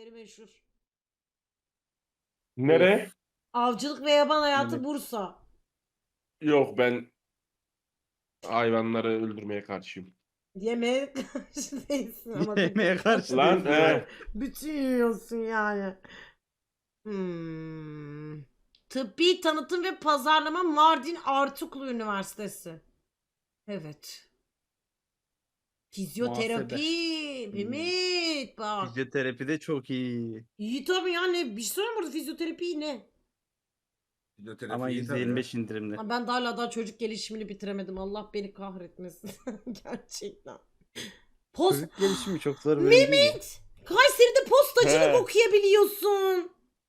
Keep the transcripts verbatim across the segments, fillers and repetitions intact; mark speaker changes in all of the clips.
Speaker 1: yemekleri meşhur.
Speaker 2: Nere?
Speaker 1: Avcılık ve yaban hayatı
Speaker 3: Evet.
Speaker 1: Bursa.
Speaker 2: Yok, ben hayvanları öldürmeye karşıyım.
Speaker 1: Yemeğe karşı değilsin ama.
Speaker 3: Yemeğe karşı
Speaker 2: Lan
Speaker 3: değil.
Speaker 2: he.
Speaker 1: Bütün yiyorsun yani. Hmm. Tıbbi Tanıtım ve Pazarlama Mardin Artuklu Üniversitesi. Evet. Fizyoterapi.
Speaker 3: Muhasebe.
Speaker 1: Mehmet bak.
Speaker 3: Fizyoterapi de çok iyi.
Speaker 1: İyi tabii ya, ne bir şey söyleyeyim burada, fizyoterapi iyi ne?
Speaker 4: Fizyoterapi
Speaker 3: Ama
Speaker 4: iyi
Speaker 3: yüzde
Speaker 4: tabii
Speaker 3: yirmi
Speaker 4: ya.
Speaker 3: beş indirimli.
Speaker 1: Ha, ben de hala daha çocuk gelişimini bitiremedim. Allah beni kahretmesin. Gerçekten. Post...
Speaker 3: Çocuk gelişimi çok zor bir bölüm değil mi?
Speaker 1: Mehmet! Kayseri'de postacılık
Speaker 2: He.
Speaker 1: okuyabiliyorsun.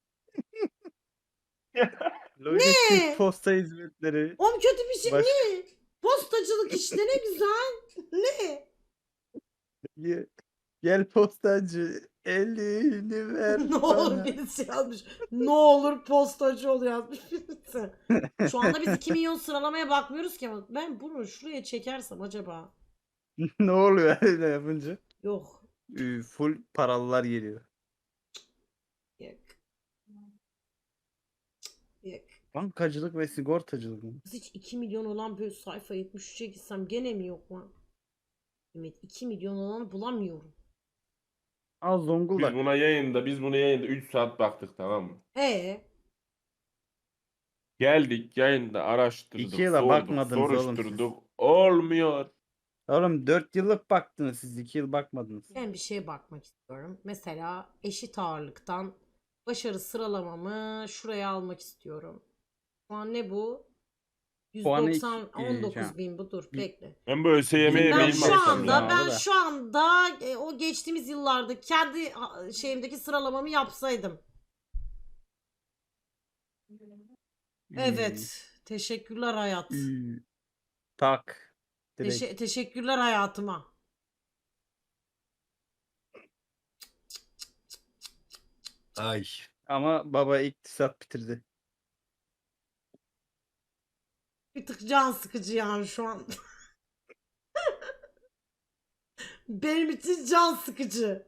Speaker 3: Lojistik posta hizmetleri.
Speaker 1: Oğlum kötü bir şey
Speaker 3: Baş-
Speaker 1: ne? Postacılık işte ne güzel. Ne?
Speaker 3: Ye- Gel postacı elini ver
Speaker 1: Ne olur
Speaker 3: bana.
Speaker 1: birisi yazmış. Ne olur postacı ol yazmış birisi. Şu anda biz iki milyon sıralamaya bakmıyoruz ki ama ben bunu şuraya çekersem acaba?
Speaker 3: Ne oluyor öyle yapınca?
Speaker 1: Yok.
Speaker 3: Ee, Full paralılar geliyor.
Speaker 1: Yok. Yok.
Speaker 3: Bankacılık ve sigortacılık mı?
Speaker 1: Biz hiç iki milyon olan böyle sayfa yetmiş üçe gitsem gene mi yok lan? Evet, iki milyon olanı bulamıyorum.
Speaker 3: Al
Speaker 2: Biz
Speaker 3: Zonguldak.
Speaker 2: buna yayında, biz buna yayında üç saat baktık, tamam mı?
Speaker 1: Ee,
Speaker 2: Geldik yayında araştırdık,
Speaker 3: İki yıla
Speaker 2: sorduk,
Speaker 3: bakmadınız oğlum
Speaker 2: soruşturduk. Olmuyor.
Speaker 3: Oğlum dört yıllık baktınız siz, iki yıl bakmadınız.
Speaker 1: ben bir şeye bakmak istiyorum. Mesela eşit ağırlıktan başarı sıralamamı şuraya almak istiyorum. Şu an ne bu?
Speaker 3: Puanı
Speaker 1: yüz doksan,
Speaker 3: iki- e,
Speaker 1: on dokuz
Speaker 3: can-
Speaker 1: bin bu, dur
Speaker 3: bir-
Speaker 1: bekle.
Speaker 2: Ben bu ÖSYM'ye
Speaker 3: Ben
Speaker 1: Ben
Speaker 2: mail
Speaker 1: şu
Speaker 2: mi atsam
Speaker 1: anda
Speaker 2: ya?
Speaker 1: ben
Speaker 3: da.
Speaker 1: şu anda e, o geçtiğimiz yıllarda kendi ha, şeyimdeki sıralamamı yapsaydım. Evet. Teşekkürler hayat.
Speaker 3: Ü- ü- Tak. Direkt.
Speaker 1: Teşe- teşekkürler hayatıma.
Speaker 4: Ay.
Speaker 3: Ama baba iktisat bitirdi.
Speaker 1: Bir tık can sıkıcı yani şu an. Benim için can sıkıcı.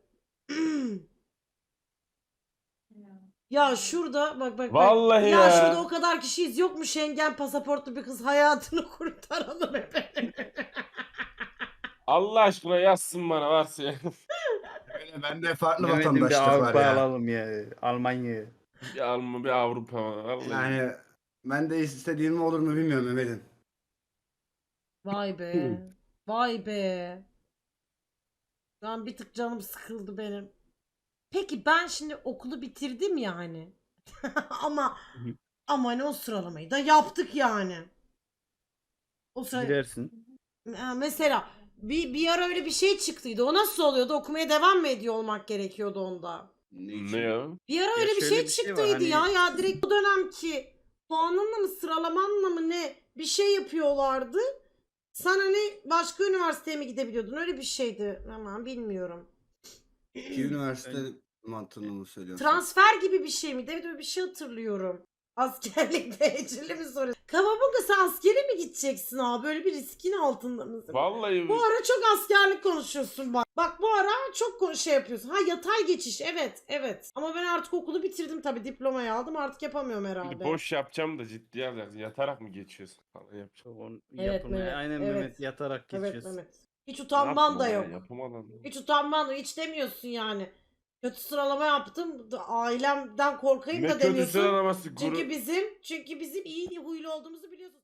Speaker 1: Ya şurada bak bak bak.
Speaker 2: Vallahi
Speaker 1: ya.
Speaker 2: ya.
Speaker 1: şurada o kadar kişiyiz. Yok mu Schengen pasaportlu bir kız, hayatını kurtaralım efendim.
Speaker 2: Allah aşkına yazsın bana varsa ya.
Speaker 4: Böyle bende farklı
Speaker 3: Mehmet'in bir
Speaker 4: vatandaşlık var
Speaker 3: Avrupa
Speaker 4: ya.
Speaker 3: alalım ya. Almanya.
Speaker 2: Bir Alman, bir Avrupa. Vallahi.
Speaker 4: Yani ben de istediğim mi olur mu bilmiyorum Mehmet'im.
Speaker 1: Vay be. Vay be. Şu an bir tık canım sıkıldı benim. Peki ben şimdi okulu bitirdim yani. ama ama hani o sıralamayı da yaptık yani. O sıra
Speaker 3: Girersin.
Speaker 1: Ha, mesela bir, bir ara öyle bir şey çıktıydı. O nasıl oluyordu? Okumaya devam mı ediyor olmak gerekiyordu onda?
Speaker 2: Ne ya?
Speaker 1: Bir ara
Speaker 3: Ya
Speaker 1: öyle bir
Speaker 3: şöyle
Speaker 1: şey
Speaker 3: bir şey var,
Speaker 1: çıktıydı
Speaker 3: hani-
Speaker 1: ya. Ya direkt bu dönemki puanınla mı sıralamanla mı ne bir şey yapıyorlardı. Sen hani başka üniversiteye mi gidebiliyordun? Öyle bir şeydi. Aman bilmiyorum.
Speaker 4: İki üniversite mantığını mı söylüyorsun?
Speaker 1: Transfer gibi bir şey miydi? Evet, öyle bir şey hatırlıyorum. Askerlik dereceli mi soruyorsun? Kavabunga, sen askere mi gideceksin abi? Böyle bir riskin altında mısın?
Speaker 2: Vallahi
Speaker 1: Bu ara çok askerlik konuşuyorsun bak. Bak bu ara çok ko- şey yapıyorsun. Ha, yatay geçiş, evet evet. Ama ben artık okulu bitirdim tabii, diplomayı aldım, artık yapamıyorum
Speaker 2: bir
Speaker 1: herhalde.
Speaker 2: boş yapacağım da ciddiye alacaksın. Yatarak mı geçiyorsun falan yapacağım.
Speaker 3: Onu
Speaker 1: Evet,
Speaker 3: yapılmaya.
Speaker 1: Mehmet,
Speaker 3: Aynen
Speaker 1: evet.
Speaker 3: Mehmet yatarak
Speaker 1: Evet
Speaker 3: geçiyorsun.
Speaker 1: Mehmet. Hiç utanman da
Speaker 2: Yapma
Speaker 1: yok.
Speaker 2: ya, yapamadan.
Speaker 1: Hiç utanman da, hiç demiyorsun yani. Kötü sıralama yaptım. da- Ailemden korkayım
Speaker 2: Ne
Speaker 1: da
Speaker 2: kötü
Speaker 1: demiyorsun.
Speaker 2: sıralaması.
Speaker 1: Çünkü
Speaker 2: Çünkü
Speaker 1: bizim çünkü bizim iyi huylu olduğumuzu biliyorsun.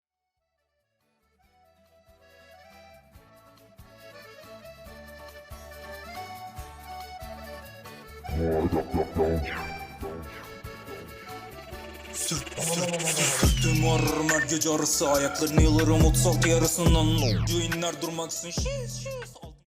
Speaker 5: Sırt sırt sırtım ağrırım her gece arası. Ayaklarını yalarım otuz altı yarısından. Düğünler durmaksın. Şiş şiş.